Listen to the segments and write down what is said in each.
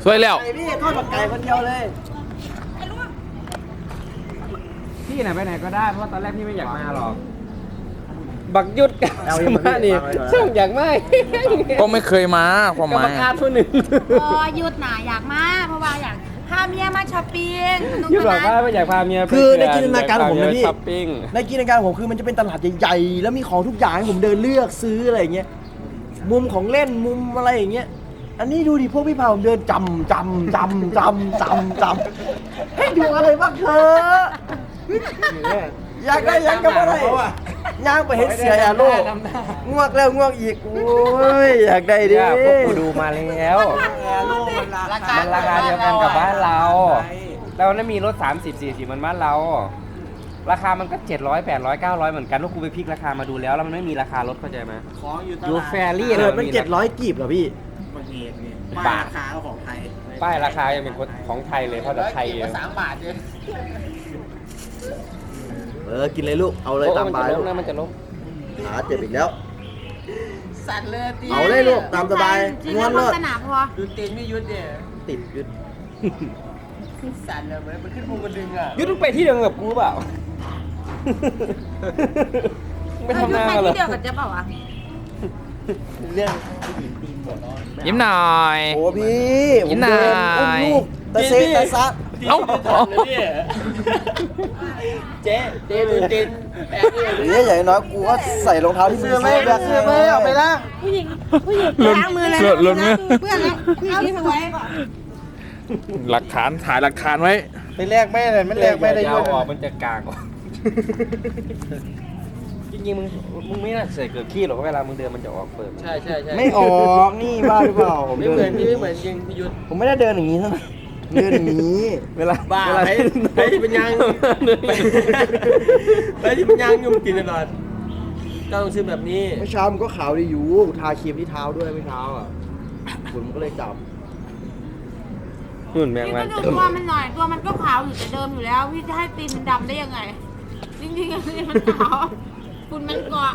สวยแล้วพี่ทอดบักไก่คนเดียวเลยพี่ไหนไปไหนก็ได้เพราะตอนแรกพี่ไม่อยากมาหรอกบักยุดกับสมานี่ช่างอยากไม่ก็ไม่เคยมาความหกับมายบักอาทุนหนึ่งพอหยุดหนาอยากมาเพราะว่าอยากพาเมียมาช้อปปิ้งยุดบอกว่าไม่อยากพาเมียไปคือในจินตนาการของผมนะพี่ช้อปปิ้งในจินตนาการผมคือมันจะเป็นตลาดใหญ่ๆแล้วมีของทุกอย่างให้ผมเดินเลือกซื้ออะไรอย่างเงี้ยมุมของเล่นมุมอะไรอย่างเงี้ยอันนี้ดูดิพวกพี่พาผมเดินจำให้ดูอะไรบ้างเถอะอยากได้ยังกับอะไรย่างไปเห็นเสียอย่าโลกง่วงแล้วง่วงอีกโอ้ยอยากได้ดิเนี่ยพวกกูดูมาแล้วมันราคาเดียวกันกับบ้านเราแล้วนั่นมีรถ30-40มันบ้านเรา ราคามันก็700 800 900เหมือนกันว่ากูไปพลิกราคามาดูแล้วมันไม่มีราคารถเข้าใจไหมของอยู่ตดูลาดแฟรี่เกิดมัน700กีบเหรอพี่มันเหตุนี่บาทราคาของไทยป้ายราคายังเป็นของไทยเลยเพราะแต่ไทยเอง 3 บาทเลยกินเลยลูกเอาเลยตามมันบาจะยล้มนะมันจะล้มขาเจ็บอีกแล้วสั่นเลยตีเอาเลยลูกตามสบายจริงงๆอนแล้วเลโฆยษณาพอดูตีนไม่ยุดเนี่ยติดยึดสั่นเลยเหมือนมันขึ้นภูมันดึงอ่ะยุดไปที่เดิมกับกูเปล่าไม่ทำหน้าไปกันเลที่ยเดียวกับเจ๊เปล่าวะเรื่องยิ้มหน่อยโอ้พี่กินหน่อยผมเดินอุ้มลูกตะเซตะซะเอ้าเจ๊ดูตีนแอบเนี่ยเดี๋ยวอย่างน้อยกูก็ใส่รองเท้าที่มีเสื้อแบบซื้อไม่เอาไปละผู้หญิงล้างมือเลยหล่นไหมเพื่อนแล้วเอาที่สวยหลักฐานถ่ายหลักฐานไว้ไปแลกแม่เลยไม่แลกแม่ได้ยาด้ววยออกมันจะกลางออกจริงๆมึงไม่น่าใส่เกือบขี้หรอกเวลามึงเดินมันจะออกเปิดใช่ใช่ใช่ไม่ออกนี่บ้าหรือเปล่าผมไม่เดินเหมือนพี่ไม่เหมือนจริงพี่ยุทธผมไม่ได้เดินอย่างนี้เท่าไหร่เดินอย่างนี้เวลาบ้าเวลาไปเป็นยังไปที่เป็นยังยุ่งกินตลอดก็ต้องซื้อแบบนี้เมื่อเช้ามันก็ขาวดีอยู่ทาครีมที่เท้าด้วยเมื่อเช้าอ่ะฝุ่นมันก็เลยจับหุ่นแมงพี่วัก็นดูตัวมันหน่อยตัวมันก็ขาวอยู่แต่เดิมอยู่แล้วพี่จะให้ตีนมันดำได้ยังไงจริงๆอันนี้มันขาวฝุ่นมันเกาะ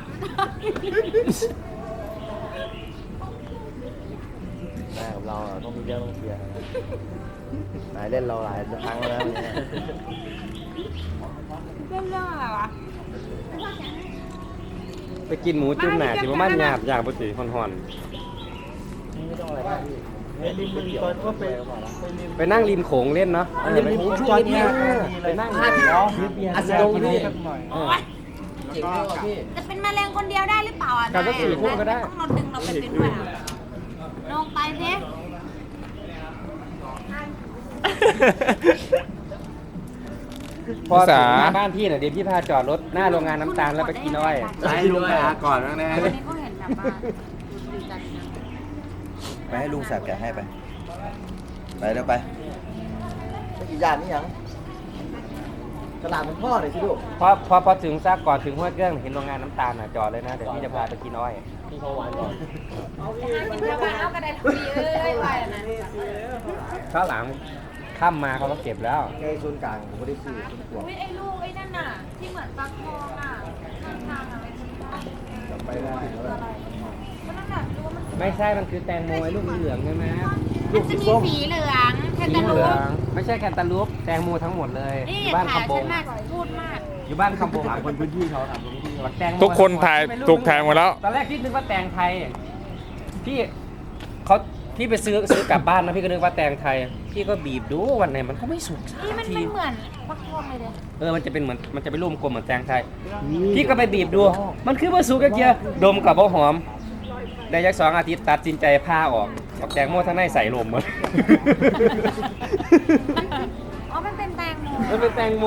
นายกับเราอะต้องมีเรื่องต้องเคลียร์นะนายเล่นเราหลายครั้งแล้วเนี่ยเรื่องอะไรวะไปกินหมูจุ่มหนาสิว่ามันหยาบปกติห่อนไม่ต้องอะไรมากพี่เล่นก๋วยเตี๋ยวก็ไปๆไปนั่งริมโขงเล่นเนาะอันนี้ผมช่วงนี้ไปนั่งอาจจะลงนี่เจ๋งเลยว่ะพี่จะเป็นแมลงคนเดียวได้หรือเปล่าอ่ะการก็4 คู่ก็ได้ต้องเราดึงเราไปเป็นด้วยอ่ะลงไปสิพอภาถึษางหน้าบ้านพี่น่ะเดี๋ยวพี่พาจอดรถหน้าโรงงานน้ำตาลแล้วไปกินอ้อยให้ลุงไปหาก่อนบ้างนะวันนี้เขาเห็นแบบว่าดูจัดนะไปให้ลุงแสบแกะให้ไปไปเร็วไปไม่กี่อย่างนี่ยังกระดาษมันพ่อหน่อยสิลูกพอถึงซากก่อนถึงห้วยเครื่องเห็นโรงงานน้ำตาลน่ะจอดเลยนะเดี๋ยวพี่จะพาไปกินอ้อยพี่เขาหวานก่อนกินเท่าไหร่เอากระไดทุกทีเอ้ยไปแล้วนะข้าวหลังค่ำมาเขาก็เก็บแล้วแกโซนกลางผมไม่ได้ซื้อผมกลัวอุ้ยไอ้ลูกไอ้นั่นน่ะที่เหมือนปลาทองอ่ะข้างทางอะไรที่บ้านจำไปได้แล้วก็นั่นน่ะดูว่ามันไม่ใช่มันคือแตงโมไอ้ลูกเหลืองใช่ไหมมันจะมีสีเหลืองแค่สีตะเหลุลืองไม่ใช่แคนตาลูปแตงโมทั้งหมดเลยนี่อยู่บ้านถ่ายคำบฉังนมากพูดมากอยู่บ้านคำบงถามคนพื้นที่เขาถามคนพื้นที่ว่าแตงโมทุกคนถ่ายถูกถ่ายหมดแล้วตอนแรกพี่นึกว่าแตงไทยพี่ไปซื้อกลับบ้านนะพี่ก็นึกว่าแตงไทยพี่ก็บีบดูวันไหนมันก็ไม่สุกสักนี่มันทีเป็นเหมือนปลาทองเลยเด้มันจะเป็นเหมือนมันจะเป็นรูปกลมเหมือนแตงไทย พี่ก็ไปบีบดู มันคือว่าสุกกะเกียดมกับบ่หอม ได้ยัก2 อาทิตย์ตัดสินใจผ้าออกเอาแตงโมทั้งในใส่ลมหมดอ๋อมันเป็นแตงโมมันเป็นแตงโม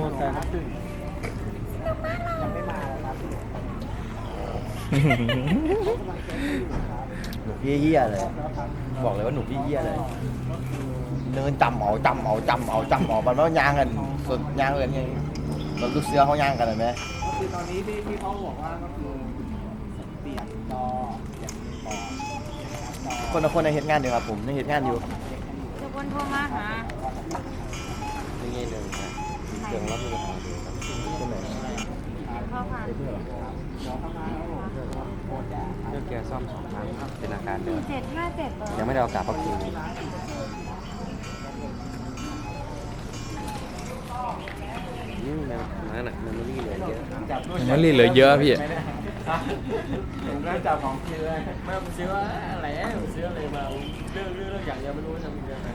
หนุกเยี่ยๆเลย บอกเลยว่าหนุกเยี่ยๆเลยเนินจำเอามันว่ายางกันส่วนยางเลยยังเราลูกเสือเขายางกันเลยไหมคือตอนนี้ที่เขาบอกว่าก็คือเปลี่ยนจอเปลี่ยนจอคนละคนในเหตุงานเดียวครับผมในเหตุงานอยู่จะวนโทรมาหานี่ไงหนึ่งนะเครื่องรับมือปัญหาดูครับใช่ไหมเข้าผ่านเรื่องแกซ่อม2 ครั้งเป็นอาการเดิม 757 ยังไม่ได้เอากลับเพราะคิวนั่นน่ะมันไม่รีเหลือเยอะมันรีเหลือเยอะพี่ผมก็จับของกินเลยไม่ผมซื้ออะไรผมซื้ออะไรมาเรื่องอย่างเดียวไม่รู้ว่าทำยังไง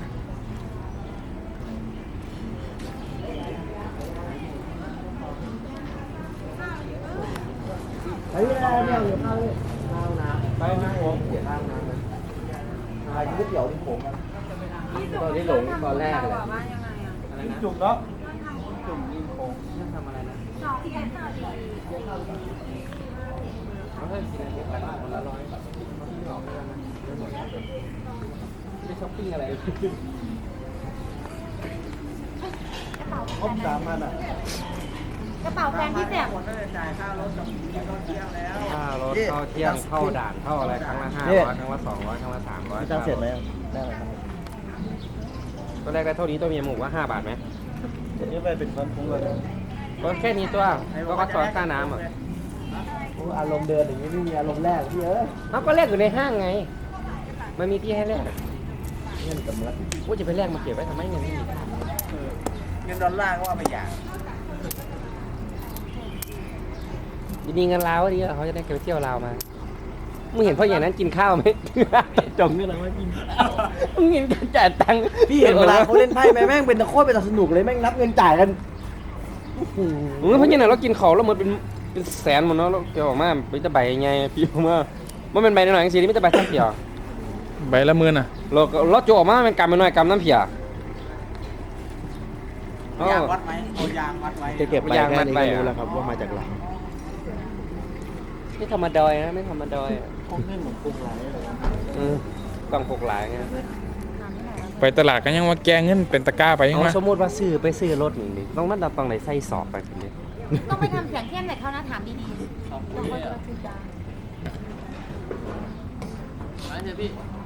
เฮ้ยเนี่ยอยู่ข้าวเลยไปนะผมเดี๋ยวข้างน้ำนะกินก๋วยเตี๋ยวที่ผมตอนที่หลงตอนแรกเลยว่ายังไงอ่ะอะไรนะจุ่มเนาะจุ่มยิงโค้งนั่นทำอะไรนะสองแสนต่อดีเขาให้กินอะไรกันคนละ100แบบที่ไม่ออกเลยนะไม่ช้อปปิ้งอะไรต้มสามมันอ่ะกระเป๋าแฟนพี่แสบคนก็จะจ่ายค่ารถกับรถเที่ยงแล้วค่ารถเข้าเที่ยงเข้าด่านเข้าอะไรครั้งละ500ครั้งละ200ครั้งละ300 พี่จ้างเสร็จไหมได้ไหมครับตัวแรกได้เท่านี้ตัวเมียหมูว่า5 บาทไหมเดี๋ยวนี้ไปเป็นวันพุธเลยก็แค่นี้ตัวก็วัดซอยค่าน้ำอ่ะอารมณ์เดินอย่างนี้ไม่มีอารมณ์แรกพี่เอ้ยเขาก็แลกอยู่ในห้างไงมันมีที่ให้แลกเงินกับเมื่อว่าจะไปแลกมาเก็บไว้ทำไมเงินไม่มีเงินดอลลาร์ก็ว่าไปอย่างดีๆเงินลาวดีเขาจะได้ไปเที่ยวลาวมามึงเห็นพ่ออย่างนั้นกินข้าวไหม จงเงินอะไรมากินมึงเห็นการจ่ายตังค์พี่เห็นเวลาเขาเล่นไพ่ไหมแม่งเป็นตะโคตรเป็นตะสนุกเลยแม่งนับเงินจ่ายกันเพราะอย่างนั้นเรากินเขาแล้วมันเป็นแสนหมดเนาะเราเกี่ยวออกมาเป็นจะใบยังไงพี่ออกมามันเป็นใบหน่อยๆสินี่ไม่จะใบทั้งเพียใบละหมื่นอ่ะเราโจออกมาเป็นกำเป็นหน่อยกำน้ำเพียยางวัดไหมเอายางวัดไว้จะเก็บไปยางแค่มัดนี้ไปก็อะรู้แล้วครับว่ามาจากไหนไม่ธรรมดอยนะไม่ธรรมดอยพวกเงินเหมือนปรุงไรเลยต้องพกหลายไงไปตลาดก็ยังว่าแกเงินเป็นตะกร้าไปยังวะสมมติว่าซื้อไปซื้อรถนี่ต้องมันต้องไหนใส่สอบไปทีนี้ต้องไปทำเสียงเข้มแต่เขานะถามดีๆต้องก็จะพูดจาอันนี้พี่